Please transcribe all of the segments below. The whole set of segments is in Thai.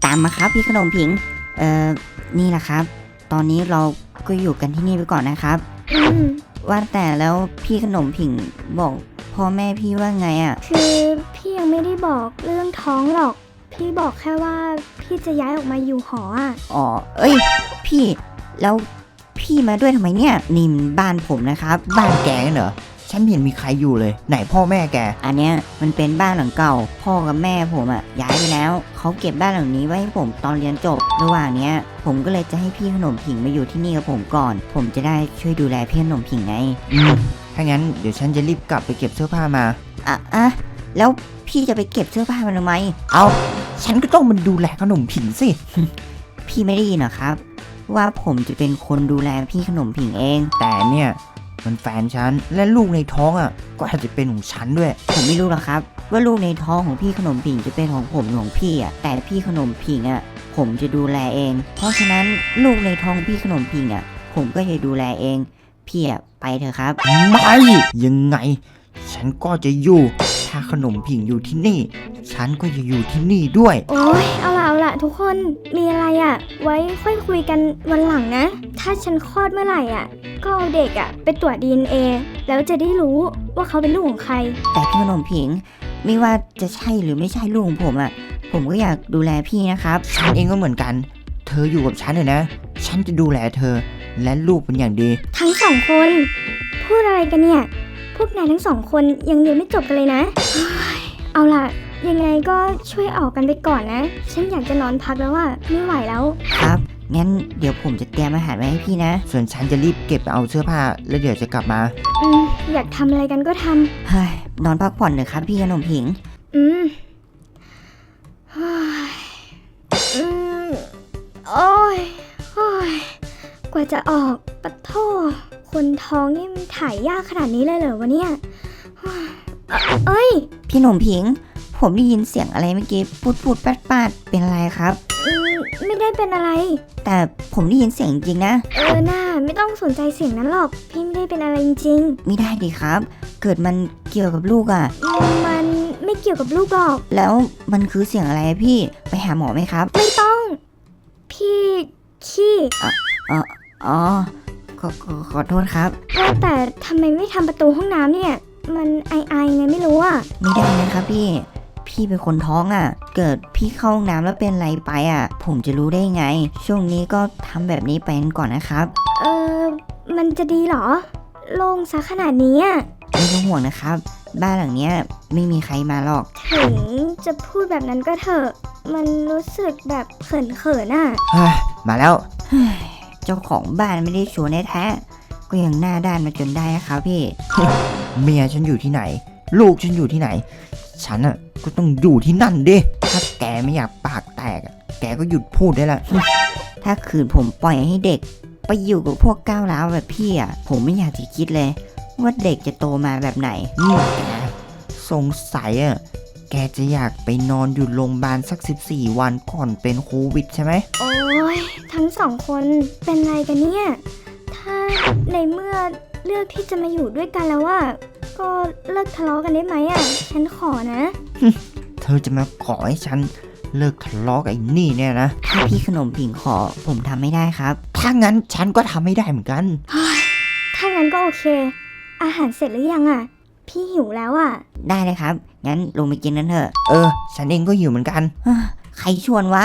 ามมาครับพี่ขนมผิงนี่แหละครับตอนนี้เราก็อยู่กันที่นี่ไปก่อนนะครับว่าแต่แล้วพี่ขนมผิงบอกพ่อแม่พี่ว่าไงอ่ะคือพี่ยังไม่ได้บอกเรื่องท้องหรอกพี่บอกแค่ว่าพี่จะย้ายออกมาอยู่หออ่ะอ๋อเอ้ยพี่แล้วพี่มาด้วยทำไมเนี่ยนี่มันบ้านผมนะครับบ้านแกเหรอฉันเห็นมีใครอยู่เลยไหนพ่อแม่แกอันเนี้ยมันเป็นบ้านหลังเก่าพ่อกับแม่ผมอ่ะย้ายไปแล้วเขาเก็บบ้านหลังนี้ไว้ให้ผมตอนเรียนจบระหว่างเนี้ยผมก็เลยจะให้พี่ขนมผิงมาอยู่ที่นี่กับผมก่อนผมจะได้ช่วยดูแลพี่ขนมผิงไงถ้างั้นเดี๋ยวฉันจะรีบกลับไปเก็บเสื้อผ้ามาแล้วพี่จะไปเก็บเสื้อผ้ามันทำไมเอาฉันก็ต้องมันดูแลขนมผิงสิพี่ไม่ได้ยินเหรอครับว่าผมจะเป็นคนดูแลพี่ขนมผิงเองแต่เนี่ยมันแฟนฉันและลูกในท้องอ่ะก็อาจจะเป็นของฉันด้วยผมไม่รู้หรอกครับว่าลูกในท้องของพี่ขนมผิงจะเป็นของผมหรือของพี่อ่ะแต่พี่ขนมผิงอ่ะผมจะดูแลเองเพราะฉะนั้นลูกในท้องพี่ขนมผิงอ่ะผมก็จะดูแลเองพี่อ่ะไปเถอะครับไม่ยังไงฉันก็จะอยู่ถ้าขนมผิงอยู่ที่นี่ฉันก็จะอยู่ที่นี่ด้วยโอ๊ยเอาล่ะทุกคนมีอะไรอ่ะไว้ค่อยคุยกันวันหลังนะถ้าฉันคลอดเมื่อไหร่อ่ะก็เอาเด็กอ่ะไปตรวจ DNA แล้วจะได้รู้ว่าเขาเป็นลูกของใครแต่พี่ขนมผิงไม่ว่าจะใช่หรือไม่ใช่ลูกของผมอ่ะผมก็อยากดูแลพี่นะครับฉันเองก็เหมือนกันเธออยู่กับฉันเลยนะฉันจะดูแลเธอและลูกเป็นอย่างดีทั้งสองคนพูดอะไรกันเนี่ยพวกนายทั้งสองคนยังเรียนไม่จบกันเลยนะเอาล่ะยังไงก็ช่วยออกกันไปก่อนนะฉันอยากจะนอนพักแล้วอะไม่ไหวแล้วครับงั้นเดี๋ยวผมจะเตรียมอาหารไว้ให้พี่นะส่วนฉันจะรีบเก็บเอาเสื้อผ้าแล้วเดี๋ยวจะกลับมาอยากทำอะไรกันก็ทำเฮ้ยนอนพักผ่อนเถอะครับพี่ขนมผิงโอ้ยกว่าจะออกปะโถคนท้องนี่มันถ่ายยากขนาดนี้เลยเหรอวะเนี่ยเอ้ยพี่ขนมผิงผมได้ยินเสียงอะไรเมื่อกี้พูดปาดเป็นอะไรครับไม่ได้เป็นอะไรแต่ผมได้ยินเสียงจริงนะน่าไม่ต้องสนใจเสียงนั้นหรอกพี่ไม่ได้เป็นอะไรจริงไม่ได้ดิครับเกิดมันเกี่ยวกับลูกอ่ะมันไม่เกี่ยวกับลูกหรอกแล้วมันคือเสียงอะไรพี่ไปหาหมอไหมครับไม่ต้องพี่ขี้อ๋อขอโทษครับแต่ทำไมไม่ทำประตูห้องน้ำเนี่ยมันไอไงไม่รู้อ่ะไม่ได้นะครับพี่เป็นคนท้องอ่ะเกิดพี่เข้าห้องน้ำแล้วเป็นอะไรไปอ่ะผมจะรู้ได้ไงช่วงนี้ก็ทำแบบนี้ไปก่อนนะครับมันจะดีเหรอโล่งซะขนาดนี้อ่ะไม่ต้องห่วงนะครับบ้านหลังเนี้ยไม่มีใครมาหรอกถึงจะพูดแบบนั้นก็เถอะมันรู้สึกแบบเขินอ่ะมาแล้วเจ้าของบ้านไม่ได้ชวนแท้ก็ยังหน้าด้านมาจนได้นะครับพี่เมียฉันอยู่ที่ไหนลูกฉันอยู่ที่ไหนฉันอ่ะก็ต้องอยู่ที่นั่นดิถ้าแกไม่อยากปากแตกแกก็หยุดพูดได้ละถ้าคืนผมปล่อยให้เด็กไปอยู่กับพวกก้าวร้าวแบบพี่อ่ะผมไม่อยากจะคิดเลยว่าเด็กจะโตมาแบบไหนแกสงสัยอ่ะแกจะอยากไปนอนอยู่โรงพยาบาลสัก14 วันก่อนเป็นโควิดใช่ไหมโอ้ยทั้งสองคนเป็นไรกันเนี่ยถ้าในเมื่อเลือกที่จะมาอยู่ด้วยกันแล้วว่าก็เลิกทะเลาะกันได้ไหมอ่ะฉันขอนะเธอจะมาขอให้ฉันเลิกทะเลาะกับไอ้นี่เนี่ยนะถ้าพี่ขนมผิงขอผมทำไม่ได้ครับถ้างั้นฉันก็ทำไม่ได้เหมือนกันถ้างั้นก็โอเคอาหารเสร็จหรือยังอ่ะพี่หิวแล้วอ่ะได้เลยครับงั้นลงไปกินกันเถอะฉันเองก็หิวเหมือนกันใครชวนวะ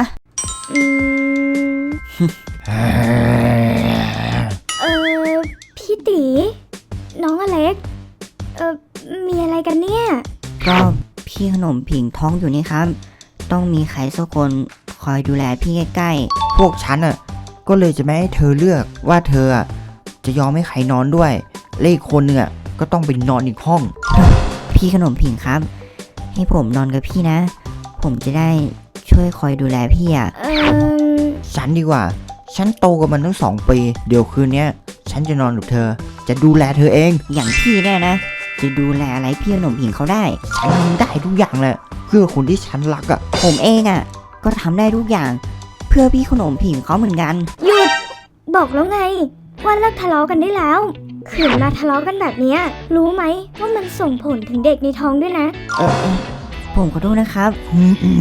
พี่ตีน้องอเล็กมีอะไรกันเนี่ยก็พี่ขนมผิงท้องอยู่นี่ครับต้องมีใครสักคนคอยดูแลพี่ใกล้ๆพวกฉันอ่ะก็เลยจะไม่ให้เธอเลือกว่าเธอจะยอมให้ใครนอนด้วยและอีกคนนึงก็ต้องไปนอนอีกห้องพี่ขนมผิงครับให้ผมนอนกับพี่นะผมจะได้ช่วยคอยดูแลพี่ฉันดีกว่าฉันโตกับมันตั้ง2 ปีเดี๋ยวคืนนี้ฉันจะนอนกับเธอจะดูแลเธอเองอย่างพี่เนี่ยนะจะดูแลอะไรพี่ขนมผิงเขาได้ฉันทำได้ทุกอย่างแหละเพื่อคนที่ฉันรักผมเองก็ทำได้ทุกอย่างเพื่อพี่ขนมผิงเขาเหมือนกันหยุดบอกแล้วไงว่าเลิกทะเลาะกันได้แล้วขืนมาทะเลาะกันแบบนี้รู้ไหมว่ามันส่งผลถึงเด็กในท้องด้วยนะผมขอโทษนะครับ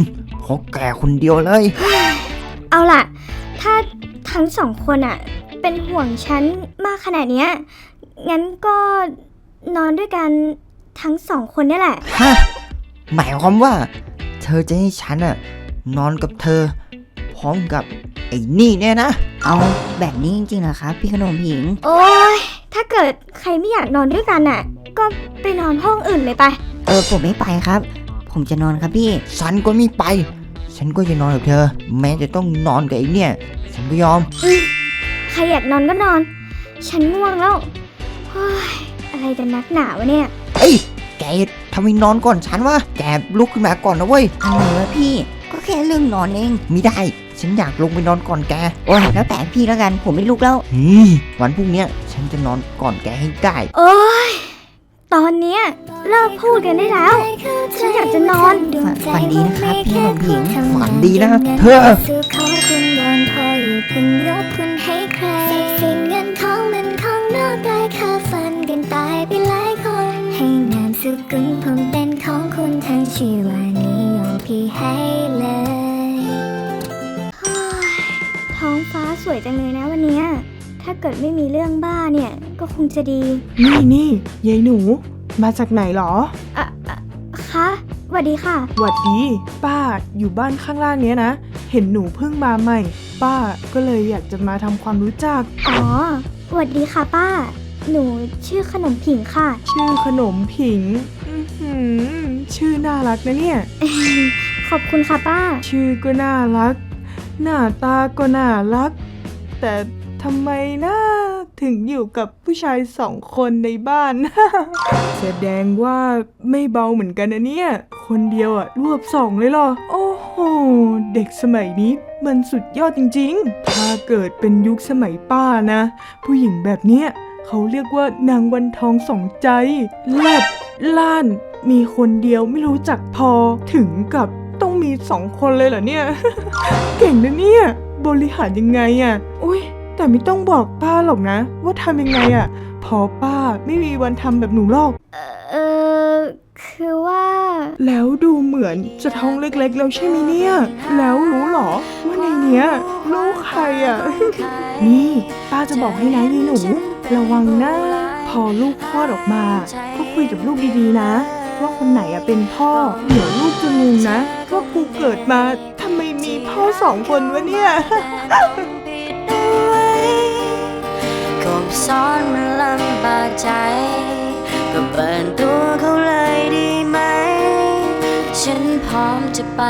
เพราะแกคนเดียวเลยเอาล่ะ ถ้าทั้งสองคนอะเป็นห่วงฉันมากขนาดเนี้ยงั้นก็นอนด้วยกันทั้งสองคนนี่แหละฮะ หมายความว่า เธอจะให้ฉันอะนอนกับเธอ พร้อมกับไอ้นี่เนี่ยนะเอาแบบนี้จริงๆเหรอครับ พี่ขนมผิงโอ้ยถ้าเกิดใครไม่อยากนอนด้วยกันอะก็ไปนอนห้องอื่นเลยไปผมไม่ไปครับ ผมจะนอนครับพี่ฉันก็ไม่ไป ฉันก็จะนอนกับเธอ แม้จะต้องนอนกับไอ้เนี่ย ฉันก็ยอมใครอยากนอนก็นอน ฉันง่วงแล้วเฮ้ยอะไรกันนักหนาวะเนี่ยเอ้ย แกทำไมนอนก่อนฉันวะ แกลุกขึ้นมาก่อนนะเว้ยอะไรวะพี่ ก็แค่เรื่องนอนเองไม่ได้ ฉันอยากลงไปนอนก่อนแกโอ้ยแล้วแต่พี่แล้วกัน ผมไม่ลุกแล้ววันพรุ่งเนี้ยฉันจะนอนก่อนแกให้ได้โอ้ยตอนเนี้ยเลิกพูดกันได้แล้ว ฉันอยากจะนอนฝันดีนะครับพี่ขนมผิงฝันดีนะเธอซื้อของคุณวอนพออยู่เพิ่งยกคุณให้ใครทรัพย์สินเงินทองมันของนอกกายค่าฝันกันตายไปหลายคน ให้นามสกุลผมเป็นของคุณทั้งชีวานิยมพี่ให้เลยท้องฟ้าสวยจังเลยนะวันเนี้ยถ้าเกิดไม่มีเรื่องบ้าเนี่ยก็คงจะดีนี่ยายหนู มาจากไหนหรอคะสวัสดีค่ะหวัดดี ป้าอยู่บ้านข้างล่างเนี้ยนะ เห็นหนูเพิ่งมาใหม่ ป้าก็เลยอยากจะมาทำความรู้จักอ๋อสวัสดีค่ะป้า หนูชื่อขนมผิงค่ะชื่อขนมผิง อื้อหือชื่อน่ารักนะเนี่ยขอบคุณค่ะป้าชื่อก็น่ารัก หน้าตาก็น่ารัก แต่ทำไมนะถึงอยู่กับผู้ชาย2 คนในบ้าน แสดงว่าไม่เบาเหมือนกันนะเนี่ย คนเดียวอะรวบ2เลยเหรอ โอ้โห เด็กสมัยนี้มันสุดยอดจริงๆ ถ้าเกิดเป็นยุคสมัยป้านะ ผู้หญิงแบบเนี้ยเขาเรียกว่านางวันทองสองใจเลิศล้าน มีคนเดียวไม่รู้จักพอถึงกับต้องมี2 คนเลยเหรอเนี่ย เก่งนะเนี่ย บริหารยังไงอะอุ้ยแต่ไม่ต้องบอกป้าหรอกนะ ว่าทำยังไงอะพอป้าไม่มีวันทำแบบหนูหรอกเออคือว่าแล้วดูเหมือนจะท้องเล็กๆแล้วใช่ไหมเนี่ย แล้วรู้หรอว่าในเนี้ยลูกใครอะ นี่ป้าจะบอกให้นะยายหนู ระวังนะพอลูกคลอดออกมา ก็คุยกับลูกดีๆนะ ว่าคนไหนอะเป็นพ่อเดี๋ยวลูกจะงงนะว่ากูเกิดมาทำไมมีพ่อ2 คนวะเนี่ยก็สอนมันลำบากใจ ก็เปิดตัวเขาเลยดีไหม ฉันพร้อมจะไป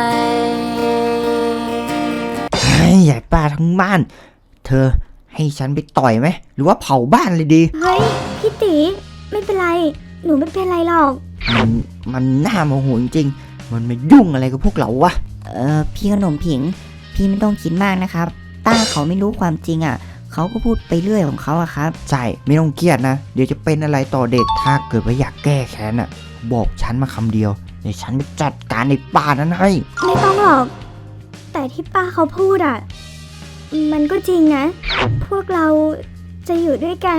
เฮ้ยใหญ่ป้าทั้งบ้าน เธอให้ฉันไปต่อยไหม หรือว่าเผาบ้านเลยดีเฮ้ยพี่ตีไม่เป็นไร หนูไม่เป็นไรหรอกมันน่าโมโหจริงๆ มันมายุ่งอะไรกับพวกเราวะพี่ขนมผิง พี่ไม่ต้องคิดมากนะครับ ต้าเขาไม่รู้ความจริงอ่ะ เขาก็พูดไปเรื่อยของเขาอะครับใช่ ไม่ต้องเครียดนะ เดี๋ยวจะเป็นอะไรต่อเด็ก ถ้าเกิดว่าอยากแก้แค้นอ่ะ บอกฉันมาคำเดียว เดี๋ยวฉันไปจัดการในป่านั้นให้ไม่ต้องหรอก แต่ที่ป้าเขาพูดอ่ะ มันก็จริงนะ พวกเราจะอยู่ด้วยกัน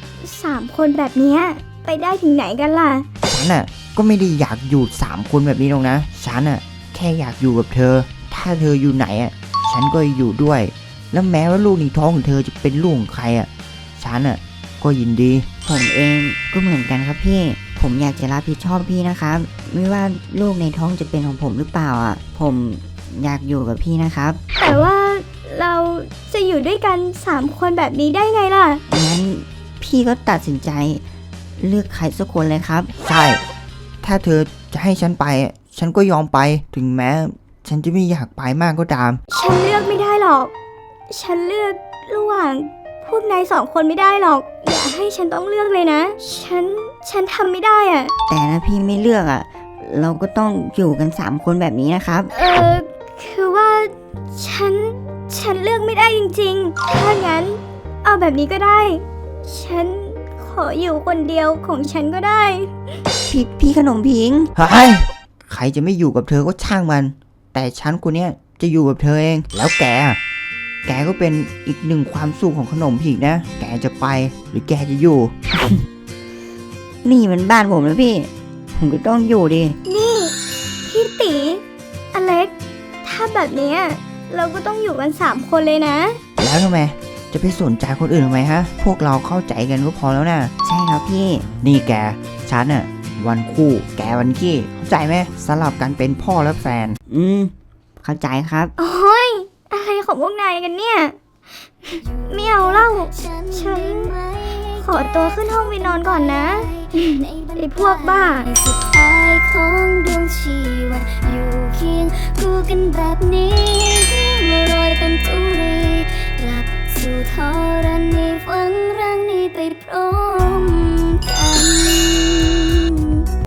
3 คนแบบเนี้ยไปได้ถึงไหนกันล่ะฉันอ่ะก็ไม่ได้อยากอยู่3 คนแบบนี้หรอกนะ ฉันอ่ะแค่อยากอยู่กับเธอ ถ้าเธออยู่ไหนอ่ะ ฉันก็อยู่ด้วย แล้วแม้ว่าลูกในท้องของเธอจะเป็นลูกของใครอ่ะ ฉันอ่ะก็ยินดีผมเองก็เหมือนกันครับพี่ ผมอยากจะรับผิดชอบพี่นะครับ ไม่ว่าลูกในท้องจะเป็นของผมหรือเปล่าอ่ะ ผมอยากอยู่กับพี่นะครับแต่ว่าเราจะอยู่ด้วยกัน3 คนแบบนี้ได้ไงล่ะงั้นพี่ก็ตัดสินใจเลือกใครสักคนเลยครับใช่ ถ้าเธอจะให้ฉันไปอะฉันก็ยอมไป ถึงแม้ฉันจะไม่อยากไปมากก็ตามฉันเลือกไม่ได้หรอก ฉันเลือกระหว่างพวกนาย2 คนไม่ได้หรอก อย่าให้ฉันต้องเลือกเลยนะ ฉันทำไม่ได้อ่ะแต่ถ้าพี่ไม่เลือกอ่ะ เราก็ต้องอยู่กัน3 คนแบบนี้นะครับคือว่าฉันเลือกไม่ได้จริงๆ ถ้างั้น เอาแบบนี้ก็ได้ ฉันขออยู่คนเดียวของฉันก็ได้พี่ขนมพิงเฮ้ย ใครจะไม่อยู่กับเธอก็ช่างมัน แต่ฉันคนเนี้ยจะอยู่กับเธอเอง แล้วแกอะแกก็เป็นอีกหนึ่งความสุขของขนมผิงนะ แกจะไปหรือแกจะอยู่นี่มันบ้านผมนะพี่ ผมก็ต้องอยู่ดินี่ พี่ตีอเล็ก ถ้แบบเนี้ยเราก็ต้องอยู่กัน3 คนเลยนะแล้วทำไมจะไปสนใจคนอื่นทำไมฮะ พวกเราเข้าใจกันก็พอแล้วนะใช่ครับพี่นี่แกฉันอะวันคู่แกวันขี้เข้าใจไหมสลับกันเป็นพ่อและแฟนเข้าใจครับโอ้ยอะไรของพวกนายกันเนี่ยไม่เอาเล่า ฉันขอตัวขึ้นห้องไปนอนก่อนนะไอ้พวกบ้าสุดท้ายของดวงชีวิตอยู่เคียงคู่กันแบบนี้โรยเป็นตุรีกลับสู่ธรณีฝังรังนี้ไปพร้อม